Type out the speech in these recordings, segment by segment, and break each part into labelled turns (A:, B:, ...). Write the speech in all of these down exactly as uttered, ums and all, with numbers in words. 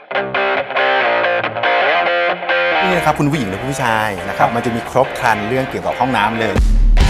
A: นี่นะครับคุณผู้หญิงและผู้ชายนะครับมันจะมีครบครันเรื่องเกี่ยวกับห้องน้ำเลย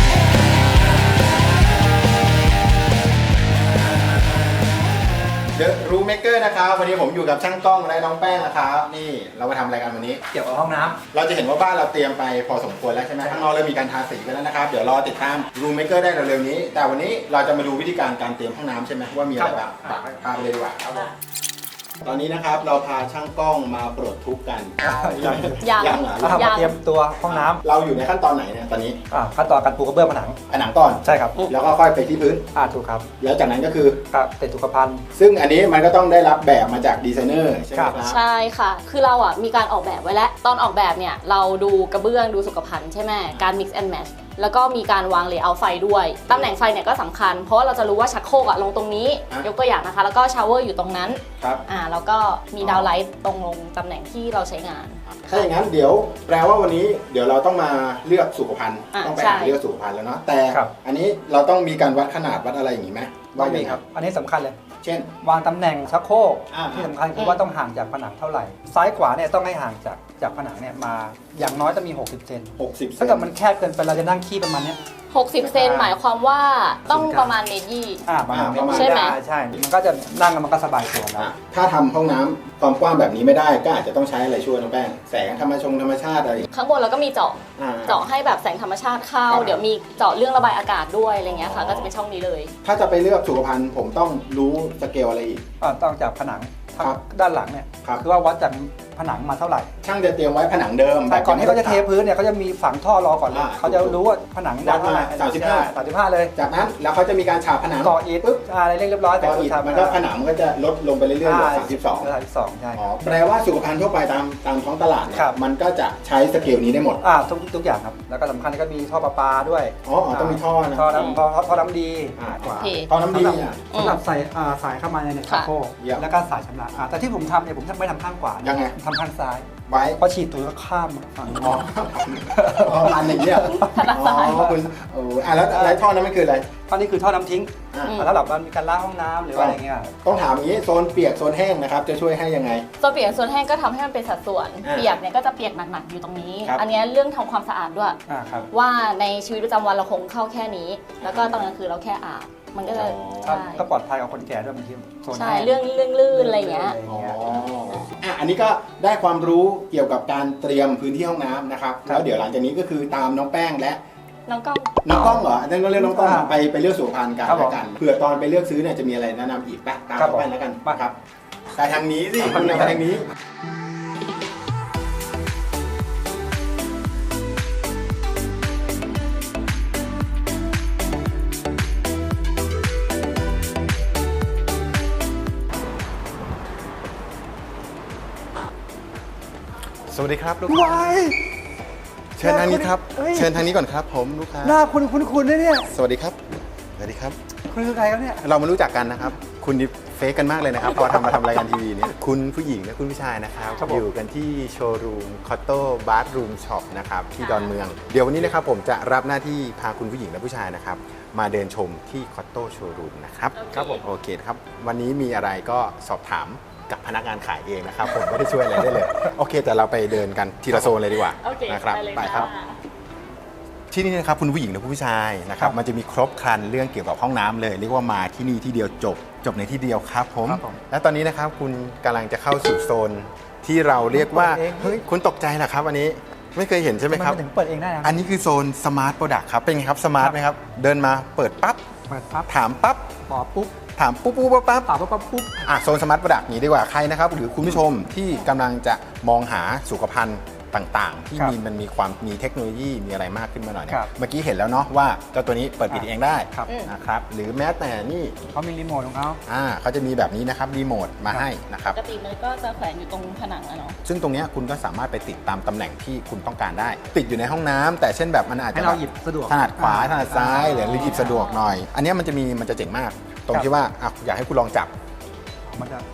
A: เดอะรูมเมเกอร์นะครับวันนี้ผมอยู่กับช่างกล้องและน้องแป้งนะครับนี่เรามาทำอะไรกันวันนี้
B: เกี่ยวกับห้องน้ำ
A: เราจะเห็นว่าบ้านเราเตรียมไปพอสมควรแล้วใช่ไหมข้างนอกเริ่มมีการทาสีกันแล้วนะครับเดี๋ยวรอติดตามรูมเมเกอร์ได้เร็วๆนี้แต่วันนี้เราจะมาดูวิธีการการเตรียมห้องน้ำใช่ไหมว่ามีอะไรบ้างพาไปเลยดีกว่าครับตอนนี้นะครับเราพาช่างกล้องมาปลดทุกข์กัน
B: ยัง
A: ยังเหรอ
B: เราทำมาเตรียมตัวห้องน้ำ
A: เราอยู่ในขั้นตอนไหนเนี่ยตอนนี้
B: ขั้นตอนการปูกระเบื้องผนัง
A: ผนังก่อน
B: ใช่ครับ
A: แล้วก็ค่อยไปที่พื้น
B: อ่าถูกครับ
A: แล้วจากนั้นก็คือ
B: ติดสุขภัณฑ์
A: ซึ่งอันนี้มันก็ต้องได้รับแบบมาจากดีไซเนอร์ใช่ไหมครับ
C: ใช่ค่ะคือเราอ่ะมีการออกแบบไว้แล้วตอนออกแบบเนี่ยเราดูกระเบื้องดูสุขภัณฑ์ใช่ไหมการ mix and match แล้วก็มีการวางเลเยอร์ไฟด้วยตำแหน่งไฟเนี่ยก็สำคัญเพราะว่าเราจะรู้ว่าชักโครกอะลงตรงนี้ยกตัวอย่างนะคะแล้วก็ชาวเวอร์อยู่ตรงนั้น
A: ครับ
C: อ่าแล้วก็มีดาวไลท์ตรงลงตำแหน่งที่เราใช้งาน
A: ถ้าอย่างนั้นเดี๋ยวแปลว่าวันนี้เดี๋ยวเราต้องมาเลือกสุขภัณฑ์ต้องไปหาเลือกสุขภัณฑ์แล้วเนาะแต่อันนี้เราต้องมีการวัดขนาดวัดอะไรอย่างนี้ไหม
B: ว่ามีครับอันนี้สำคัญเลย
A: เช่น
B: วางตำแหน่งชักโครกที่สำคัญคือว่าต้องห่างจากผนังเท่าไหร่ซ้ายขวาเนี่ยต้องให้ห่างจากจากผนังเนี่ยมาอย่างน้อยจะมีหกสิบเซน
A: หกสิบ
B: ถ้าเกิดมันแคบเกินไปเราจะนั่งขี้ประมาณนี้
C: หกสิบเซนหมายความว่าต้องประมาณเมตรยี่
B: อ่าประมาณ
C: ใช่ไหม
B: ใช่มันก็จะนั่งมันก็สบายตัวแล้ว
A: ถ้าทำห้องน้ำความกว้างแบบนี้ไม่ได้ก็อาจจะต้องใช้อะไรช่วยน้องแป้งแสงธรรมชงธรรมชาติอะไร
C: ข้างบนเราก็มีเจาะเจาะให้แบบแสงธรรมชาติเข้าเดี๋ยวมีเจาะเรื่องระบายอากาศด้วยอะไรเงี้ยค่ะก็จะเป็นช่องนี้เลย
A: ถ้าจะไปเลือกสุขภัณฑ์ผมต้องรู้สเกลอะไรอีก
B: ต้องจากผนังด้านหลังเนี่ยคือว่าวัดจากผนังมาเท่าไหร่
A: ช่างจะเตรียมไว้ผนังเดิม
B: แต่ก่อนที่เขาจะเทพื้นเนี่ยเขาจะมีฝังท่อรอก่อนเลยเขาจะรู้ว่าผนัง
A: วัดมาสามสิบห้า
B: สามสิบห้าเลย
A: จากนั้นแล้วเขาจะมีการฉาบผนัง
B: ก่ออิฐปุ๊บอะไรเรียบร้อย
A: ก่ออิฐมันก็ผนังมันก็จะลดลงไปเรื่อยๆเหลือสามสิบสอง
B: สามสิบสองใช่
A: แปลว่าสุขภัณฑ์ทั่วไปตามตามท้องตลาดเนี่ยมันก็จะใช้สเกลนี้ได้หมด
B: อ่าทุกทุกอย่างครับแล้วก็สำคัญก็มีท่อประปาด้วย
A: อ๋อต้องมีท่อนะ
B: ท่อน้ำท่อท่อน้ำดี
A: ท่อน้ำดี
B: สำหรับใส่สายเข้ามาในชักโครกแล้วก็สายชำระแต่ที่ผมทำเนี่ยผมไม่ทำข้างขวา
A: ยังไง
B: ทำข้างซ้าย
A: ไว้
B: พอฉีดตัวก็ข้ามฝั่ง
A: อ๋ออันอย่างเงี้ยอ๋อคุณเอออ่ะแล้วอะไรท่อนั้นไม่คืออะไร
B: ท่อนี้คือท่อน้ำทิ้งแล้วแบบมันมีการล้างห้องน้ำหรืออะไรเงี้ย
A: ต้องถามอย่างนี้โซนเปียกโซนแห้งนะครับจะช่วยให้ยังไง
C: โซนเปียกโซนแห้งก็ทำให้มันเป็นสัดส่วนเปียกเนี่ยก็จะเปียกหนักๆอยู่ตรงนี้อันนี้เรื่องทำความสะอาดด้วยว่าในชีวิตประจำวันเราคงเข้าแค่นี้แล้วก็ตอนกลางคืนเราแค่อาบมันก็จะ
B: ก็ปลอดภัยกับคนแก่ด้วยบางที
C: ใช่เรื่องเรื่องลื่นอะไรเงี้ย
A: อ๋ออ่ะอันนี้ก็ได้ความรู้เกี่ยวกับการเตรียมพื้นที่ห้องน้ำนะครับแล้วเดี๋ยวหลังจากนี้ก็คือตามน้องแป้งและ
C: น้องกล้อง
A: น้องกล้องเหรอนั่นก็เรียกน้องกล้องไปไปเลือกสุขภัณฑ์กันแล้วกันเผื่อตอนไปเลือกซื้อเนี่ยจะมีอะไรแนะนำอีกปะตามไปแล้วกันมาครับไปทางนี้สิคุณไปทางนี้สวัสดีครับลูกค้าเชิญทางนี้ครับเชิญทางนี้ก่อนครับผมลูกค้า
B: หน้าคุณคุณคุณเนี่ย
A: สวัสดีครับสวัสดีครับ
B: คุณคือใครครับเนี่ย
A: เรามารู้จักกันนะครับคุณนี่เฟซกันมากเลยนะครับพอทำมาทำรายการทีวีเนี่ยคุณผู้หญิงและคุณผู้ชายนะครับอยู่กันที่โชว์รูมคอตโต้บาร์รูมช็อปนะครับที่ดอนเมืองเดี๋ยววันนี้นะครับผมจะรับหน้าที่พาคุณผู้หญิงและผู้ชายนะครับมาเดินชมที่คอตโต้โชว์รูมนะครับ
B: ครับผม
A: โอเคครับวันนี้มีอะไรก็สอบถามกับพนักงานขายเองนะครับผมไม่ได้ช่วยอะไรได้เลยโอเคแต่เราไปเดินกันทีละโซนเลยดีกว่านะครับไปครับที่นี่นะครับคุณผู้หญิงและผู้ชายนะครับมันจะมีครบครันเรื่องเกี่ยวกับห้องน้ำเลยเรียกว่ามาที่นี่ที่เดียวจบจบในที่เดียวครับผมและตอนนี้นะครับคุณกำลังจะเข้าสู่โซนที่เราเรียกว่าเฮ้ยคุณตกใจเหรอครับอันนี้ไม่เคยเห็นใช่ไหมครับ
B: ถึงเปิดเองได้
A: อันนี้คือโซนสมาร์ทโปรดักต์ครับเป็นไงครับสมาร์ทไหมครับเดินมาเปิดปั๊บ
B: เปิดปั๊บ
A: ถามปั๊บ
B: ตอบปุ๊บ
A: ถามปุ๊บปุ๊บปั๊บ
B: ตอบปั๊บปุ๊บ
A: อ่ะโซนสมาร์ทโปรดักต์นี้ดีกว่าใครนะครับหรือคุณผู้ชมที่กำลังจะมองหาสุขภัณฑ์ต่างๆที่มีมันมีความมีเทคโนโลยีมีอะไรมากขึ้นมาหน่อยเนี่ยเมื่อกี้เห็นแล้วเนาะว่าเจ้าตัวนี้เปิดปิดเองได้นะครับหรือแม้แต่นี่
B: เขามีรีโมทของเขา
A: อ่าเขาจะมีแบบนี้นะครับรีโมทมาให้นะครับ
C: ปกติมันก็จะแขวนอยู่ตรงผนังอะเนาะ
A: ซึ่งตรงนี้คุณก็สามารถไปติดตามตำแหน่งที่คุณต้องการได้ติดอยู่ในห้องน้ำแต่เช่นแบบมันอาจจะ
B: ให้เราหยิบสะดวก
A: ถนัดขวาถนัดซ้ายหรือหยิบสะดวกหน่อยอันนี้มันจะมีมันจะเจ๋งมากตรงที่ว่าอยากให้คุณลองจับ
B: มันจะ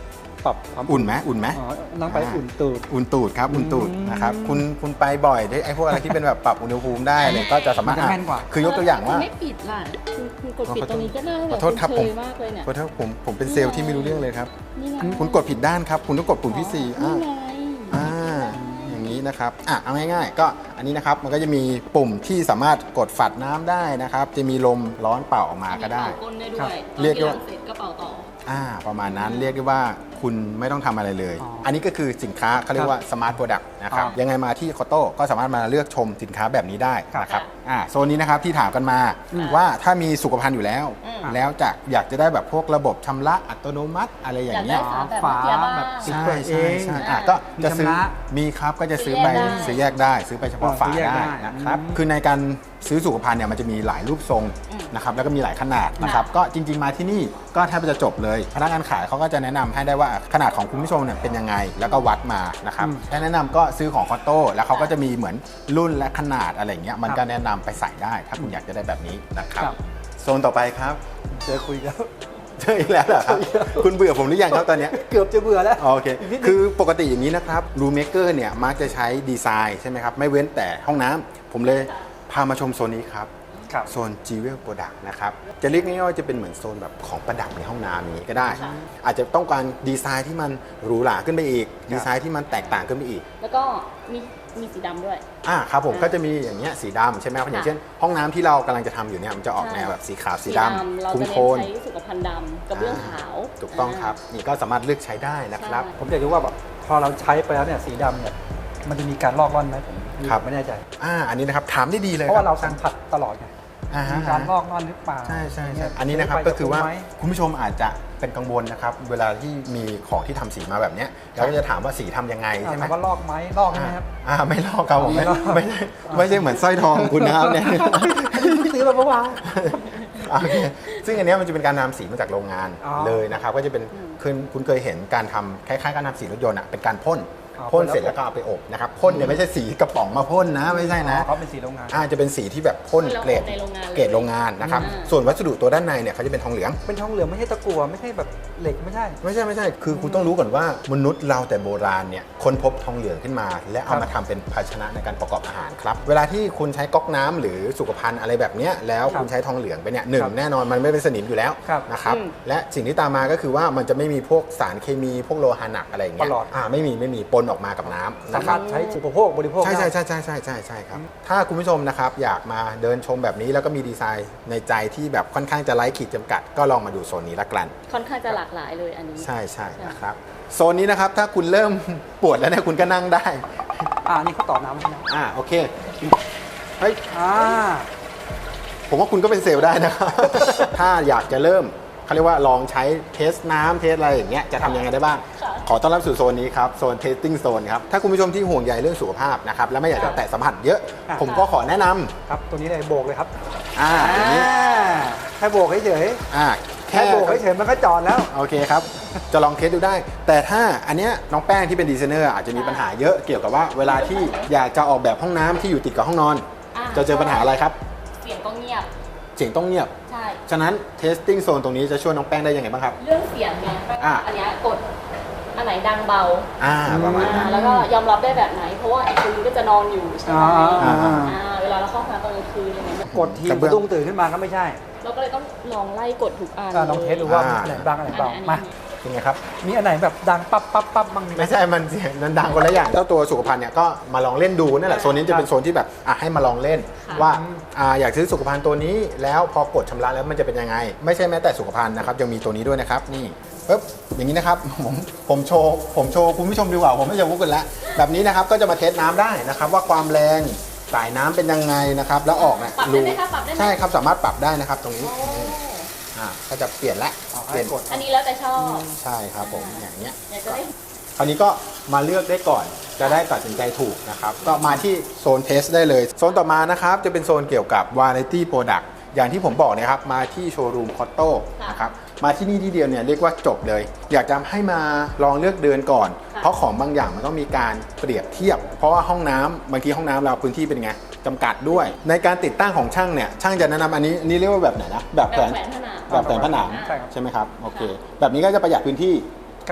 B: ปรับความ
A: อุ่นไหมอุ่นไหม
B: อ๋อต้องไปอุ่นตูด
A: อุ่นตูดครับอุ่นตูด
B: อืม
A: นะครับคุณคุณไปบ่อยได้ไอ้พวกอะไรที่เป็นแบบปรับอุณหภูมิได้เลยก็จะสามารถ
B: มันจะแม่นกว่า
A: คือยกตัวอย่างว่า
C: ไม่ปิดล่ะคุณคุณกดปิดตรงนี้ก็ได้
A: ขอโทษครับผม
C: ณเชยมากเลยเนี่ย
A: เพราะถ้าผมผมเป็นเซลล์ที่ไม่รู้เรื่องเลยครับ
C: นี่ไง
A: คุณกดผิดด้านครับ คุณต้องกดปุ่มที่สี่
C: นี่
A: อ่า
C: ไง
A: อ่าอย่างนี้นะครับอ่ะเอาง่ายๆ ก็อันนี้นะครับมันก็จะมีปุ่มที่สามารถกดฝัดน้ำได้นะครับ จะมีลมร้อนเป่าออกมาก็ได้
C: อันนี้เป่าก้นได้ด้
B: ครั
C: ว
B: บ
C: ย
A: เรียกได้
C: ตอน
A: ว่า
C: ที่ล้างเสร็จก็เป่าต่อ
A: อ่าประมาณนั้นเรียกได้ว่าคุณไม่ต้องทำอะไรเลย
B: อ๋ออั
A: อันนี้ก็คือสินค้าเขาเรียกว่าสมาร์ทโปรดักต์นะครับ
B: อ๋อ
A: ยังไงมาที่คอโต้ก็สามารถมาเลือกชมสินค้าแบบนี้ได้นะครับ
C: ค่ะ
A: อ่าโซนนี้นะครับที่ถามกันมา
C: อืม
A: ว่าถ้ามีสุขภัณฑ์อยู่แล้ว
C: อืม
A: แล้วจะอยากจะได้แบบพวกระบบชำระอัตโนมัติอะไรอย่างเงี้ย
C: อยากได้ ฝาแบบเมื่อกี้บ้าง
B: แบบ
A: ใช่
B: เปิดเอ
A: ใช่
B: ง
A: ใช่อ่ะก็จะซื้อ
B: มีชำระ
A: มีครับก็จะซื้อไป
C: ซื้อแยกได้
A: ซื้อแยกได้ ซื้อไปเฉพาะ
B: อ๋อ
A: ฝา
B: ซื้อแยก
A: ได้
B: ได้
A: นะครับ
B: อืม
A: คือในการซื้อสุขภัณฑ์เนี่ยมันจะมีหลายรูปทรง
C: อืม
A: นะครับแล้วก็มีหลายขนาดนะครับก็จริง ๆมาที่นี่ก็แทบจะจบเลยพนักงานขายเขาก็จะแนะนำให้ได้ว่าขนาดของคุณผู้ชมเนี่ยเป็นยังไงแล้วก็วัดมานะครับ
B: อืม
A: ถ้าแนะนำก็ซื้อของคอตโต้แล้วเขาก็จะมีเหมือนรุ่นและขนาดอะไรอย่างเงี้ยมันก็แนะนำไปใส่ได้ถ้าคุณอยากจะได้แบบนี้นะครับ
B: ครับ
A: โซนต่อไปครับ
B: เจอคุยแล้ว
A: เจออีกแล้วเหรอครับคุณเบื่อผมหรือยังครับตอนเนี้ย
B: เกือบจะเบื่อแล้ว
A: โอเค
B: อีกนิดนึง
A: คือปกติอย่างนี้นะครับรูเมเกอร์เนี่ยมักจะใช้ดีไซน์ใช่ไหมครับ ไม่เว้นแต่ห้องน้ำผมเลยพามาชมโซนนี้ครับ
B: ครับ
A: โซน Jewel Product นะครับ จะเรียกง่ายๆว่าจะเป็นเหมือนโซนแบบของประดับในห้องน้ำนี้ก็ได้
C: ค่ะ
A: อาจจะต้องการดีไซน์ที่มันหรูหราขึ้นไปอีก ดีไซน์ที่มันแตกต่างขึ้นไปอีก
C: แล้วก็มีมีสีดำด้วย
A: อ่าครับผม
C: อ่า
A: ก็จะมีอย่างเงี้ยสีดำใช่ไหมครับ
C: ค่ะ
A: อย่างเช่น ห้องน้ำที่เรากำลังจะทำอยู่เนี่ยมันจะออกแนวแบบสีขาวสีดำ
C: เรา
A: คุ้
C: จะ
A: ม
C: เน้
A: โท
C: น
A: น
C: ใช้สุขภัณฑ์ดำกับเรื่องขาว
A: ถูกต้องครับนี่ก็สามารถเลือกใช้ได้นะครับ
C: ใช่
B: ผมอยากรู้ว่าแบบพอเราใช้ไปแล้วเนี่ยสีดำเนี่ยมันจะมีการลอกล่อนไหมผม
A: ครับ
B: ไม่แน่ใจ
A: อ่าอันนี้นะครับถามได้ดีเลย
B: เพราะว่า
A: ค
B: เรา
A: บ
B: สัมผัสตลอดไง
A: อ่าฮะ
B: มีการลอกล่อนหรือเปล่า
A: ใช่ใช่ใช่
B: เย
A: อันนี้นะครับ
B: ไป
A: ก็คือว่า
B: ไหม
A: คุณผู้ชมอาจจะเป็นกังวลนะครับ เวลาที่มีของที่ทำสีมาแบบเนี้ยเราก็จะถามว่าสีทำยังไง
B: อ่า
A: ใช่ไหม
B: ถามว่าลอกไหมลอกใช่ไหมครับ
A: อ่าไม่ลอกครับผม
B: ไม่
A: ไม่
B: ลอก
A: ไม่ใช่ไม่ใช่เหมือนสร้อยทองของคุณนะครับเนี่ย
B: ซื้อมาเมื่อวาน
A: โอเคซึ่งอันเนี้ยมันจะเป็นการนำสีมาจากโรงงาน
B: อ๋อ
A: เลยนะครับ ก็จะเป็นคุณคุณเคยเห็นการทำคล้ายๆการทำสีรถยนต์อ่ะเป็นการพ่น
B: อ๋อ
A: พ่น
B: พ่นแล้ว
A: เสร็จแล้วก็เอาไปอบนะครับพ่นเนี่ยไม่ใช่สีกระป๋องมาพ่นนะไม่ใช่นะ
B: เขาเป็นสีโรงงาน
A: อาจะเป็นสีที่แบบพ่น
C: เรา
A: เกรด
C: อบในโรงงานเลย
A: เกรดโรงงานนะครับ
C: อ่า
A: ส่วนวัสดุตัวด้านในเนี่ยเขาจะเป็นทองเหลือง
B: เป็นทองเหลืองไม่ใช่ตะกั่วไม่ใช่แบบเหล็กไม่ใช่
A: ไม่ใช่ไม่ใช่ คือคุณต้องรู้ก่อนว่ามนุษย์เราแต่โบราณเนี่ยค้นพบทองเหลืองขึ้นมา และเอามาทำเป็นภาชนะในการประกอบอาหารครับ เวลาที่คุณใช้ก๊อกน้ำหรือสุขภัณฑ์อะไรแบบเนี้ยแล้ว
B: ครับ
A: คุณใช้ทองเหลืองไปเนี่ยหนึ่ง
B: ครับ
A: แน่นอนมันไม่เป็นสนิมอยู่แล้ว
B: ครับ
A: นะครับ
C: อืม
A: และสิ่งที่ตามมาก็คือว่ามันจะไม่มีพวกสารเคมีพวกโลหะหนักอะไรอย่างเงี้ย
B: ประหลอด
A: อ่าไม่มีไม่มีปนออกมากับน้ำ
B: สา
A: นะค
B: มา
A: รับ
B: รถใช้อุปโภคบริโภค
A: ใช่ใช่
B: ได้
A: ใช่ใช่ใช่ใช่ใช่ครับ ถ้าคุณผู้ชมนะครับอยากมาเดินชมแบบนี้แล้วก็มีดีไซน์ในใจที่แบบค่อนข้างจะไร้ขีดจำกัด ก็ลองมาดูโซนนี้ละกัน
C: ค่อนข้างจะหลากหลายเลยอันนี้
A: ใช่ใช่นะครับโซนนี้นะครับถ้าคุณเริ่ม ปวดแล้วเนี่ยคุณก็นั่งได้
B: อ่านี่เขาต่อน้ำใช่ไหม
A: อ่าโอเคเฮ้ย
B: อ่า
A: ผมว่าคุณก็เป็นเซลล์ได้นะครับ ถ้าอยากจะเริ่มเขาเรียกว่าลองใช้เทสน้ำเทสอะไรอย่างเงี้ยจะทำยังไงได้บ้าง
C: ค่ะ
A: ขอต้อนรับสู่โซนนี้ครับโซน testing zone ครับถ้าคุณผู้ชมที่ห่วงใยเรื่องสุขภาพนะครับและไม่อยากจะแตะสัมผัสเยอะ ผมก็ขอแนะนำ
B: ครับตัวนี้เลยโบกเลยครับ
A: อ่าอย่างนี้
B: แค่โบกเฉย
A: อ่า
B: ๆแค่โบกเฉยๆมันก็จอดแล้ว
A: โอเคครับ จะลองเทสดูได้ แต่ถ้าอันเนี้ยน้องแป้งที่เป็นดีไซเนอร์อาจจะมีปัญหาเยอะเกี่ยวกับว่าเวลาที่อยากจะออกแบบห้องน้ำที่อยู่ติดกับห้องนอน
C: อ่า
A: จะเจอปัญหาอะไรครับ
C: เสียงก็เงียบ
A: เสียงต้องเงียบ
C: ใช่
A: ฉะนั้น testing zone ตรงนี้จะช่วยน้องแป้งได้ยังไงบ้างครับ
C: เรื่องเสียงไง
A: อ่า
C: อันเนี้ยกดอันไหนดังเบา
A: อ่าประมาณนั้น
C: อ่าแล้วก็ยอมรับได้แบบไหน เพราะว่าอีกคืนก็จะนอนอยู่ใช่ไหม
B: อ่า
A: อ่า
C: อ่าเวลาเราเข้าห้องน้ำตอนกลางคืนอะไรเงี้ย
B: กดที
A: กระ
B: สะ
A: เบื้อง
B: ดุ้งตื่นขึ้นมาก็ไม่ใช่
C: เราก็เลยต้องลองไล่กดทุกอัน
B: อ่าลองเทสดูว่า
A: อ่า
B: อันไหนบ้างอันไหนเบา
C: อันไหน
B: มา
A: เป็นไงครับ
B: มีอันไหนแบบดังปั๊บปั๊บปั๊บบ้างไหม
A: ไม่ใช่มันเสียงมันดังคนละอย่างเจ้าตัวสุขภัณฑ์เนี่ยก็มาลองเล่นดูนั่นแหละโซนนี้จะเป็นโซนที่แบบอ่ะให้มาลองเล่น
C: ค่ะ
A: ว่าอ่าอยากซื้อสุขภัณฑ์ตัวนี้แล้วพอกดชำระแล้วมันจะเป็นยังไง ไม่ใช่แม้แต่สุขภัณฑ์นะครับยังมีตัวนี้ด้วยนะครับนี่ปึ๊บอย่างนี้นะครับ ผมผมโชว์ผมโชว์คุณผู้ชมดีกว่าผมไม่จะวุ้กันแล้วแบบนี้นะครับก็จะมาเทสน้ำได้นะครับว่าความแรงสายน้ำเป็นยังไงนะครับแล้วออกเนี่ย
C: ปรับได้ไหมคะปรับได้ไหม
A: ใช่ครับสามารถปรับได้นะครับตรงนี้
C: โอ้
A: อ่าก็จะเปลี่ยนละ
B: อ๋อ
A: เปลี่ยน
B: ให้กด
C: อันนี้แล้วแต่ชอบ
A: ใช่ครับผมอย่างเงี้ย
C: อยากจะได้
A: คราวนี้ก็มาเลือกได้ก่อน จะได้ตัดสินใจถูกนะครับ ก็มาที่โซนเทสได้เลย โซนต่อมานะครับ จะเป็นโซนเกี่ยวกับ Variety Product อย่างที่ผมบอกเนะครับ มาที่โชว์รูมคอตโต้
C: ค่ะ
A: นะครับ มาที่นี่ที่เดียวเนี่ยเรียกว่าจบเลย อยากจะให้มาลองเลือกเดินก่อน
C: ค่ะ
A: เพราะของบางอย่างมันต้องมีการเปรียบเทียบ เพราะว่าห้องน้ำบางทีห้องน้ำเราพื้นที่เป็นไงจำกัดด้วย ในการติดตั้งของช่างเนี่ย ช่างจะแนะนำอันนี้อันนี้เรียกว่าแบบไหนนะ แบบ
C: แบบ
A: แขวน
C: แขวนผนัง
A: แบบแขวนผนัง
B: ใช่ครับ
A: ใช่ไหมครับ โอเค แบบนี้ก็จะประหยัดพื้นที่
B: ครับ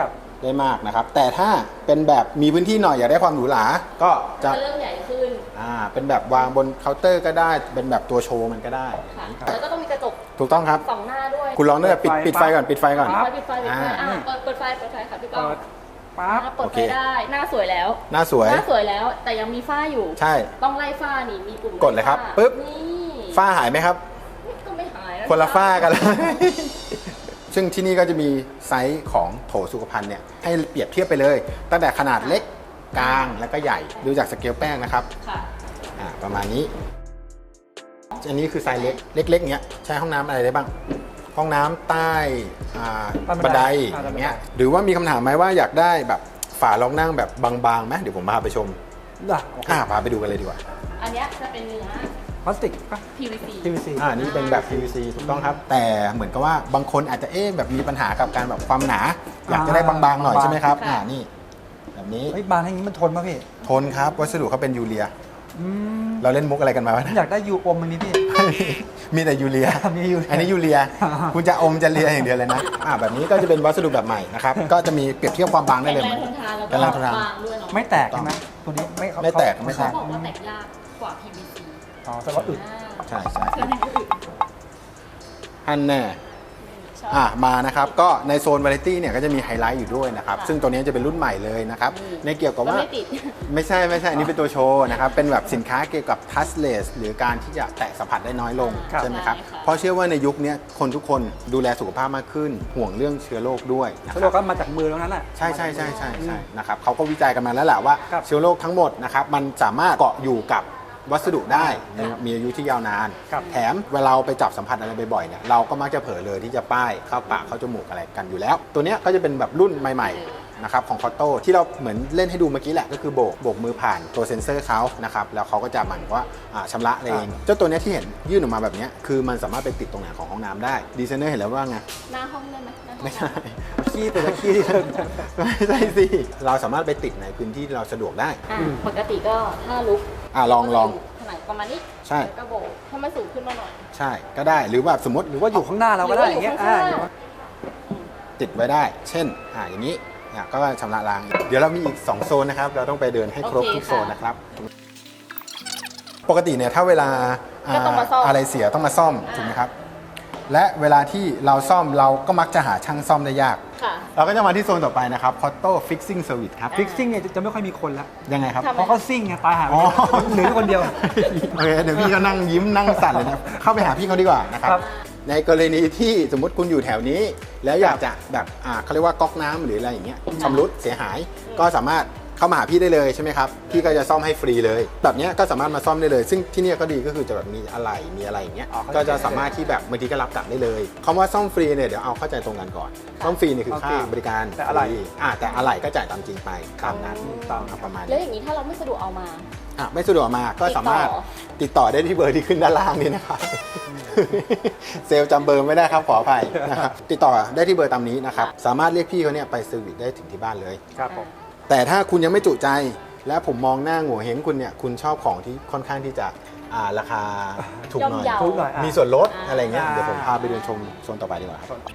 A: ได้มากนะครับ แต่ถ้าเป็นแบบมีพื้นที่หน่อยอยากได้ความหรูหราก็จะ
C: จะเริ่มใหญ่ขึ้น
A: อ่าเป็นแบบวางบนเคาน์เตอร์ก็ได้เป็นแบบตัวโชว์มันก็ได้
C: ค่ะแล้วก็ต้องมีกระจก
A: ถูกต้องครับ
C: สองหน้าด้วย
A: คุณลองด้วยปิดปิดไฟก่อนปิดไฟก่อน
C: ปิดไฟปิดไฟปิดไฟ
A: อ่า
C: อ่าเปิดเปิดไฟเปิดไฟค่ะพี่ก้อง
B: เปิดปั๊บ
C: อ่าเปิด
A: โอ
C: ไฟ
A: เค
C: ได้หน้าสวยแล้ว
A: หน้าสวย
C: หน้าสวยแล้วแต่ยังมีฝ้าอยู่
A: ใช่
C: ต้องไล่ฝ้านี่มีปุ่ม
A: กดเลยครับ
C: ไฝ้า
A: ปึ๊บ
C: นี่
A: ฝ้าหายไหมครับ
C: ก็ไม่หายนะ
A: คนละฝ้ากันเลย ซึ่งที่นี่ก็จะมีไซส์ของโถสุขภัณฑ์เนี่ยให้เปรียบเทียบไปเลย ตั้งแต่ขนาดเล็กกลางแล้วก็ใหญ่ดูจากสเกลแป้งนะครับ
C: ค่ะ
A: อ่าประมาณนี้ อันนี้คือไซส์เล็กเล็กๆเนี้ยใช้ห้องน้ำอะไรได้บ้าง ห้องน้ำใต้อ่า
B: ใต้บั
A: บัน
B: น
A: ได
B: ได
A: อย่างเงี้ยหรือว่ามีคำถามไหมว่าอยากได้แบบฝารองนั่งแบบบางๆไหมเดี๋ยวผมพาไปชม
B: ได้โอเค
A: อ่าพาไปดูกันเลยดีกว่า
C: อันเนี้ยจะเป็นเนื้อ
B: พลาสติกปะ
C: พี วี ซี
B: พี วี ซี
A: อ่านี่เป็นแบบ พี วี ซี ถูกต้องครับ แต่เหมือนกับว่าบางคนอาจจะเอ๊ะแบบมีปัญหากับการแบบความหนา อยากจะได้บางๆหน่อยใช่ไหมครับอ่านี่แบบนี้
B: เฮ้ยบานอย่างนี้มันทนป่ะพี่
A: ทนครับวัสดุเขาเป็นยูเรีย
B: อืม
A: เราเล่นมุกอะไรกันมาวะ
B: ผม
A: เนี่ย
B: อยากได้ยูอมอันนี้พี่
A: มีแต่ยูเรีย
B: มียูเรีย
A: อันนี้ยูเรีย คุณจะอมจะเรียอย่างเดียวเลยนะอ่าแบบนี้ก็จะเป็นวัสดุแบบใหม่นะครับ ก็จะมีเปรียบเทียบความบางได้
C: แข็ง
A: เลย
C: แรงทนทานแล้ว
A: แข็งแรงทนทาน
C: บางด้วยเนาะ
B: ไม่แตกใช่ไหมตัวนี้ไม่เขา
A: ไม่แตก
B: เขา
A: ไม่แต
C: เขา
A: ก
C: บอกว่าแตกยากกว่า พี วี ซี
B: อ๋อแต่ว่าอึด
A: ใช่ใช่
C: เครื่องให้อึด
A: อันแน่
C: ชอบ
A: อ่ะมานะครับก็ในโซนวาไรตี้เนี่ยก็จะมีไฮไลท์อยู่ด้วยนะครับ
C: ค่ะ
A: ซึ่งตัวนี้จะเป็นรุ่นใหม่เลยนะครับ
C: อืม
A: ในเกี่ยวกับว่า
C: ก็ไม่ติด
A: ไม่ใช่ไม่ใช่อันนี้เป็นตัวโชว์นะครับ เป็นแบบสินค้าเกี่ยวกับ touchless หรือการที่จะแตะสัมผัสได้น้อยลง
C: ครับ
A: ใช่ไหมครับ
C: ใช่ค่ะ
A: เพราะเชื่อว่าในยุคนี้คนทุกคนดูแลสุขภาพมากขึ้น ห่วงเรื่องเชื้อโรคด้วยนะค
B: เขา
A: รับ
B: บอกว่ามาจากมือแล้วนั้นแหละ
A: ใช่ใช่ใช่ใช่ใช่นะครับเขาก็วิจัยกันมาแล้วแหละว่า
B: ครับ
A: เชื้อโรคทั้งหมดนะครับมันสามารถเกาะอยู่กับวัสดุได้มี
C: ครับ
A: มีอายุที่ยาวนาน
B: ครับ
A: แถมเวลาเราไปจับสัมผัสอะไรบ่อยๆเนี่ยเราก็มักจะเผลอเลยที่จะป้ายเข้าปากเข้าจมูกอะไรกันอยู่แล้ว ตัวเนี้ยก็จะเป็นแบบรุ่นใหม่ๆนะครับของคอตโต้ที่เราเหมือนเล่นให้ดูเมื่อกี้แหละก็คือโบกโบกมือผ่านตัวเซ็นเซอร์เขานะครับแล้วเขาก็จะเหมือนว่าอ่าชำระเองเจ้าตัวเนี้ยที่เห็นยื่นออกมาแบบเนี้ยคือมันสามารถไปติดตรงไหนของห้องน้ำได้ดีไซเนอร์เห็นแล้วว่าไง
C: หน้าห้องได้ไหมหน้าห้อง
A: ไม่ใช่
B: ขี้แต่ละขี้ที่เดิน
A: ไม่ใช่สิ เราสามารถไปติดในพื้นที่ที่เราสะดวกได้
C: อ่ะปกติก็ถ้าลุก
A: อ่ะลองลอง
C: ขนาดประมาณนี้
A: ใช่
C: แล้วก็โบกให้มันสูงขึ้นมาหน่อย
A: ใช่ก็ได้หรือแบบสมมติ
B: หรือว่าอยู่ข้างหน้าเราก็ได้อย่างเงี้ย
C: หรือว่าอยู่
B: อ่า
C: ข้างหน้า
A: ติดไว้ได้ เช่นอ่าอย่างนี้เนี่ยก็ชำระล้าง เดี๋ยวเรามีอีก สอง โซนนะครับ เราต้องไปเดินให้ครบ
C: โอเค
A: ทุกโซน
C: ค่ะ
A: นะครับ ปกติเนี่ยถ้าเวลา
C: ก็ต้องมาซ่อม
A: อะไรเสียต้องมาซ่อม
C: อ่า
A: ถูกไหมครับ และเวลาที่เราซ่อมเราก็มักจะหาช่างซ่อมได้ยาก
C: ค่ะ
A: เราก็จะมาที่โซนต่อไปนะครับ Cotto Fixing Service ครับ
B: ฟิกซิ่งเนี่ยจะไม่ค่อยมีคนละ
A: ยังไงครับ
C: ทำไม
B: เพราะเขาซิ่งไงตายหา
A: อ๋อ
B: เหลืออยู่คนเดียว
A: โอเคเดี๋ยวพี่ก็นั่งยิ้มนั่งสั่นเลยนะเข้าไปหาพี่เขาดีกว่านะครับ
B: ครับ
A: ในกรณีที่สมมติคุณอยู่แถวนี้ แล้วอยากจะแบบอ่าเขาเรียกว่าก๊อกน้ำหรืออะไรอย่างเงี้ยชำรุดเสียหาย ก็สามารถเข้ามาหาพี่ได้เลยใช่ไหมครับพี่ก็จะซ่อมให้ฟรีเลย แบบเนี้ยก็สามารถมาซ่อมได้เลย ซึ่งที่เนี่ยก็ดีก็คือจะแบบมีอะไรมีอะไรอย่างเงี้ย
B: อ๋อเข้าใจ
A: ก็จะสามารถที่แบบบางทีก็รับกลับได้เลยคำว่าซ่อมฟรีเนี่ยเดี๋ยวเอาเข้าใจตรงกันก่อนซ่อมฟรีเนี่ยคือ
B: โอเค
A: ค่าบริการ
B: แต่อะไร
A: ฟรีอ่าแต่อะไรก็จ่ายตามจริงไปตามนั้น
B: ตาม
A: ครับประมาณ
C: แล้ว
A: นี้
C: อย่างนี้ถ้าเราไม่สะดวกเอามา
A: อ่ะไม่สะดวกมาก็สามารถติดต่อได้ที่เบอร์ที่ขึ้นด้านล่างนี้นะครับ เซลล์จำเบอร์ไม่ได้ครับขออภัยนะครับติดต่อได้ที่เบอร์ตามนี้นะครับสามารถเรียกพี่เขาเนี่ยไปเซอร์วิสได้ถึงที่บ้านเลย
B: ครับผม
A: แต่ถ้าคุณยังไม่จุใจ และผมมองหน้าโง่เฮงคุณเนี่ยคุณชอบของที่ค่อนข้างที่จะอ่าราคาถูกหน่อย
C: ย่อมเยา
B: ทุกหน่อยอ่ะ
A: มีส่วนลด
C: อ่า
A: อะไรเงี้ย
B: อ่า
A: เดี๋ยวผมพาไปเดินชมโซนต่อไปดีกว่าครับ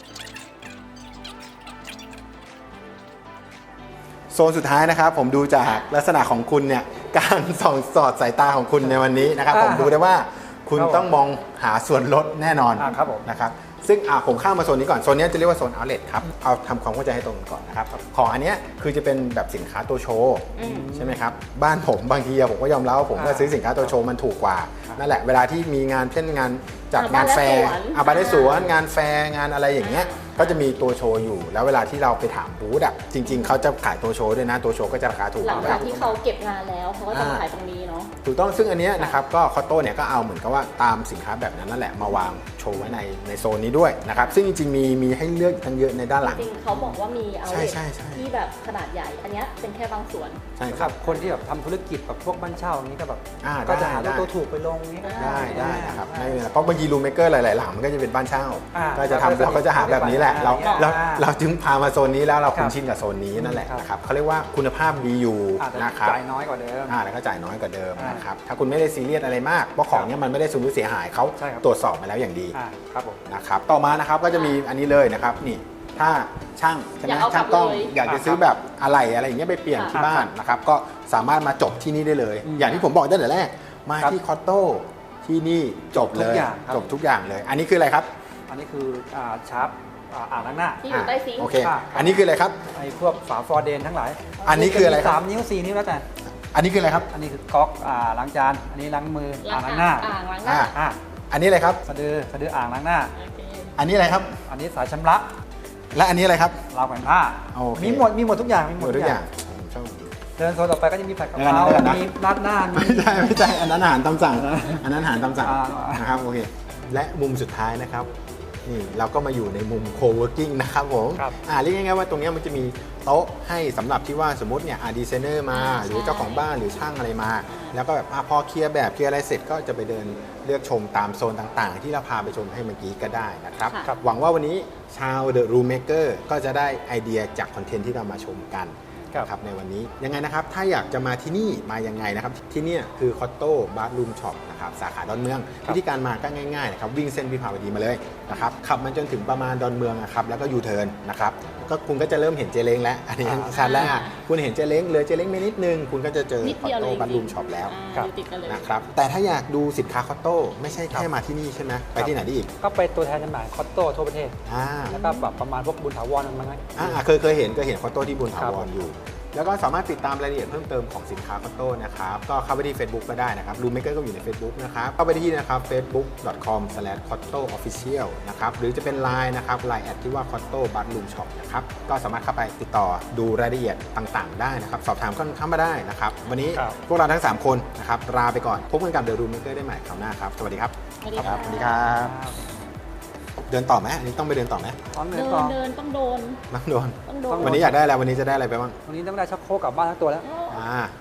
A: โซนสุดท้ายนะครับผมดูจากลักษณะของคุณเนี่ยการส่องสอดสายตาของคุณในวันนี้นะครับ ผมดูได้ว่าคุณ
B: ครับผม
A: ต้องมองหาส่วนลดแน่นอน
B: อ่าครับผม
A: นะครับซึ่งอ่ะผมข้ามมาโซนนี้ก่อนโซนนี้จะเรียกว่าโซน outlet ครับเอาทำความเข้าใจให้ตรงกันก่อนนะครับของอันเนี้ยคือจะเป็นแบบสินค้าตัวโชว์
C: อืม
A: ใช่ไหมครับบ้านผมบางทีอะผมก็ยอมรับว่าผมก็
B: อ่า
A: ซื้อสินค้าตัวโชว์มันถูกกว่านั่นแหละเวลาที่มีงานเช่นงานจัด
C: อ่า
A: งานแฟร์
C: บ้านและสวน
A: อาบานได้สวนงานแฟร์งานอะไรอย่างเงี้ยก็จะมีตัวโชว์อยู่ แล้วเวลาที่เราไปถามบูธอะจริง ๆเขาจะขายตัวโชว์ด้วยนะตัวโชว์ก็จะราคาถูก
C: หลัง
A: กว่า
C: จากที่เขาเก็บงานแล้วเขาก็จะมาขายตรงนี้เนาะ
A: ถูกต้องซึ่งอันเนี้ยนะครับก็คอตโต้เนี่ยก็เอาเหมือนกับว่าตามสินค้าแบบนั้นนั่นแหละมาวางโชว์ไว้ในในโซนนี้ด้วยนะครับซึ่งจริงๆมีมีให้เลือกอีกตั้งเยอะในด้านหลัง
C: จริงๆเขาบอกว่ามีเอา
A: ใช่ใช่ใช่
C: ที่แบบขนาดใหญ่ อันเนี้ยเป็นแค่บางส่วน
A: ใช่ค
B: ค
A: รั
B: รับ บคนที่แบบทำธุรกิจแบบพวกบ้านเช่าอย่างนี้ก็แบบ
A: อ่า
B: ก็จะ
A: ได้
B: หา
A: ได้
B: ตัวถูกไปลงนี้ก็
A: ได้ได้นะครับ
B: ได้
A: ไม่เป็นไรเพราะบางทีรูมเมเกอร์หลายๆหลังมันก็จะเป็นบ้านเช่า
B: อ่า
A: ก็จะทำเราก็จะหาแบบนี้แหละ
B: อ่า
A: เรา
B: อ่า
A: เราเราจึงพามาโซนนี้แล้วเรา
B: ครั
A: คุ้
B: บ
A: นชินกับโซนนี้นั่นแหละ
B: ครับ
A: นะครับเขาเรียกว่าคุณภาพดีอยู่
B: อาจจะ
A: นะครับ
B: จ่ายน้อยกว่าเดิม
A: อ่าแล้วก็จ่ายน้อยกว่าเดิม
B: อ่าน
A: นะครับถ้าคุณไม่ได้ซีเรียสอะไรมากเพราะของเนี้ยมันไม่ได้สูญเสียหายเขา
B: ใช่ครับ
A: ตรวจสอบมาแล้วอย่างดี
B: อ่าครับผม
A: นะครับต่อมานะครับก็จะมีอันนี้เลยนะครับนี่ทถ้าช่างใช่ไหม
C: อยากเอากลั
A: ช่า
C: บ
A: งกล้อง
C: เลย
A: อยากจะซื้อแบบอะไรอะไรอย่างเงี้ยไปเปลี่ยนที่บ้านนะครับก็สามารถมาจบที่นี่ได้เลย
B: อืม
A: อย่างที่ผมบอกตั้งแต่แรกมา
B: ครับ
A: ที่คอตโต้ที่นี่จบเลย
B: ทุกอย่างครับ
A: จบทุกอย่างเลย อันนี้คืออะไรครับ
B: อันนี้คืออ่าชาร์ปอ่าอ่างล้างหน้า
C: ที่อยู่ใต้ซิงค์
A: โอเค
B: ค่ะ
A: อันนี้คืออะไรครับ
B: ไอ้พวกฝาฟอร์เดนทั้งหลาย
A: อันนี้คืออะไรครับ
B: สามนิ้วสี่นิ้วแล้วแต่
A: อันนี้คืออะไรครับ
B: อันนี้คือก๊อกอ่าล้างจานอันนี้ล้างมืออ่างล้างหน้า
C: อ่างล้างหน้า
A: อ่า
B: อ่า
A: อันนี้อะไรครับ
B: สะดือสะดืออ่างล้างหน้า
C: โอเค
A: อันนี้อะไรครับ
B: อันนี้สายชำระ
A: และอันนี้อะไรครับ
B: ราวแขวนผ้า
A: โอเค
B: มีหมดมีหมดทุกอย่างมี
A: ห
B: ห
A: ม
B: ม
A: ด
B: ด
A: ทุ
B: ทุ
A: ก
B: ก
A: อ
B: อย่ ย่า
A: าง งผมชอบ
B: เดินโซนต่อไปก็จะมีผัดกะ
A: เดี๋ยว
B: เพรา
A: ก่อนนะ
B: มีราดหน้ามี
A: ไม่ใช่ไม่ใช่อันนั้นอาหารตามสั่งอันนั้นอาหารตามสั่ง
B: อ่า
A: นะครับโอเคและมุมสุดท้ายนะครับนี่เราก็มาอยู่ในมุม co-working นะครับผม
B: ครับ
A: อ่าเรียกง่ายๆว่าตรงเนี้ยมันจะมีโต๊ะให้สำหรับที่ว่าสมมติเนี่ยอาร์ดีไซเนอร์มา
C: อ่า
A: หรือ
C: ใช่
A: เจ้าของบ้านหรือช่างอะไรมา แล้วก็แบบอ่ะพอเคลียร์แบบเคลียร์อะไรเสร็จก็จะไปเดินเลือกชมตามโซนต่างๆ ที่เราพาไปชมให้เมื่อกี้ก็ได้นะครับ
C: ค่ะ
A: หวังว่าวันนี้ชาว The Room Maker ก็จะได้ไอเดียจากคอนเทนต์ที่เรามาชมกัน
B: ครับ
A: นะครับในวันนี้ยังไงนะครับถ้าอยากจะมาที่นี่มายังไงนะครับที่เนี่ยคือคอตโต้บาร์รูมช็อปนะครับสาขาดอนเมือง วิธีการมาก็ง่ายๆนะครับวิ่งเส้นวิภาวดีมาเลยนะครับขับมาจนถึงประมาณดอนเมืองนะครับแล้วก็ยูเทิร์นนะครับก็คุณก็จะเริ่มเห็นเจเล้งแล้วอันนี้
B: อ่า
A: ชัดแล้วอ่ะคุณเห็นเจเล้งเลยเจเล้งไปนิดนึงคุณก็จะเจอ
C: นิด
A: คอต
C: เดียวเล
A: โต้
C: ย
A: บาร์รูมช็อปแล้ว
C: อ่าอยู่ติดกันเลย
A: นะครับแต่ถ้าอยากดูสินค้าคอตโต้ไม่ใช่แค่มาที่นี่ใช่ไหมไปที่ไหนได้อีก
B: ก็ไปตัวแทนจำหน่ายคอตโต้ทั่วประเทศ
A: อ่า
B: แล้วก็แบบประมาณพวกบุญถาวรมันไหม
A: อ่าเคยเคยเห็นเคยเห็นคอตโต้ที่บุญถา
B: ครับ
A: วรอยู่ แล้วก็สามารถติดตามรายละเอียดเพิ่มเติมของสินค้าคอตโต้นะครับก็เข้าไปที่ Facebook ก็ได้นะครับรูมเมเกอร์ก็อยู่ใน Facebook นะครับเข้าไปที่นะครับ เฟซบุ๊ก ดอท คอม สแลช คอตโต้ ออฟฟิเชียล นะครับหรือจะเป็น ไลน์ นะครับ ไลน์ แอดที่ว่า คอตโต้ บัตรูมช็อป นะครับก็สามารถเข้าไปติดต่อดูรายละเอียดต่างๆ ได้นะครับสอบถามก็เข้ามาได้นะครับวันนี้
B: ครับ
A: พวกเราทั้งสามคนนะครับลาไปก่อนพบกันกับ The Room Maker ได้ใหม่คราวหน้าครับสวัสดีครับ
C: สวัสดี
A: ค
C: ค่ะ
A: รับสวัสดีครับเดินต่อไหมอันนี้ต้องไปเดินต่อไหม
B: ตอนเดิ
C: เดิ
B: น
C: น
B: ต่อ
C: เดินต้องโดน
A: ต้องโดน
C: ต้องโดน
A: วันนี้อยากได้อะไรวันนี้จะได้อะไรไปบ้าง
B: วันนี้ต้องได้ชักโครกกลับบ้านทั้งตัวแล้ว
A: อ่า